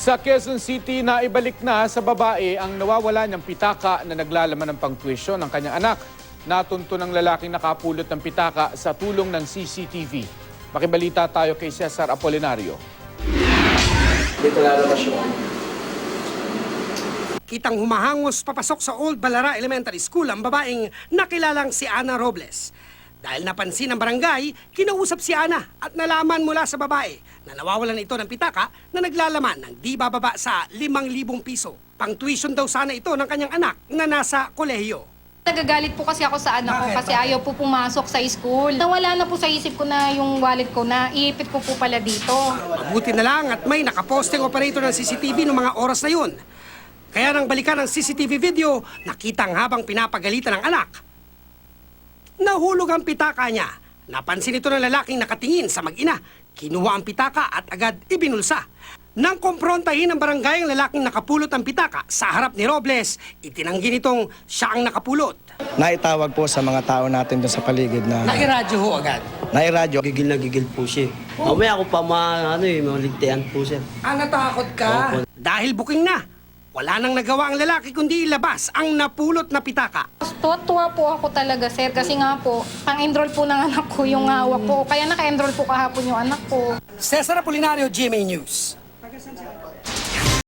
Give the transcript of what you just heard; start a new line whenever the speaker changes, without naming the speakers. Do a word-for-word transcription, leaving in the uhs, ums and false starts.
Sa Quezon City, naibalik na sa babae ang nawawala niyang pitaka na naglalaman ng pangtuwisyon ng kanyang anak. Natunto ng lalaking nakapulot ng pitaka sa tulong ng C C T V. Makibalita tayo kay Cesar Apolinario.
Dito lalabas yun.
Kitang humahangos papasok sa Old Balara Elementary School ang babaeng nakilalang si Ana Robles. Dahil napansin ng barangay, kinausap si Ana at nalaman mula sa babae na nawawalan ito ng pitaka na naglalaman ng di bababa sa limang libong piso. Pang-tuition daw sana ito ng kanyang anak na nasa kolehiyo.
Nagagalit po kasi ako sa anak ko kasi ayaw po pumasok sa school. Nawala na po sa isip ko na yung wallet ko na iipit ko po pala dito.
Mabuti na lang at may nakaposting operator ng C C T V noong mga oras na yun. Kaya nang balikan ng C C T V video, nakitang habang pinapagalitan ng anak, nahulog ang pitaka niya. Napansin ito ng lalaking nakatingin sa mag-ina. Kinuha ang pitaka at agad ibinulsa. Nang kumprontahin ng barangay ang lalaking nakapulot ng pitaka sa harap ni Robles, itinanggi nitong siya ang nakapulot.
Naitawag po sa mga tao natin doon sa paligid na...
Nairadyo ho agad.
Nairadyo.
Gigil na gigil po siya. Mamaya ako pa ma, ano eh, maligtayan po siya.
Ah, natakot ka? Dahil buking na. Wala nang nagawa ang lalaki kundi ilabas ang napulot na pitaka.
Tuwa-tuwa po ako talaga, sir, kasi nga po, pang-enroll po ng anak ko yung hawak ko. Kaya naka-enroll po kahapon yung anak ko.
Cesar Apolinario, G M A News.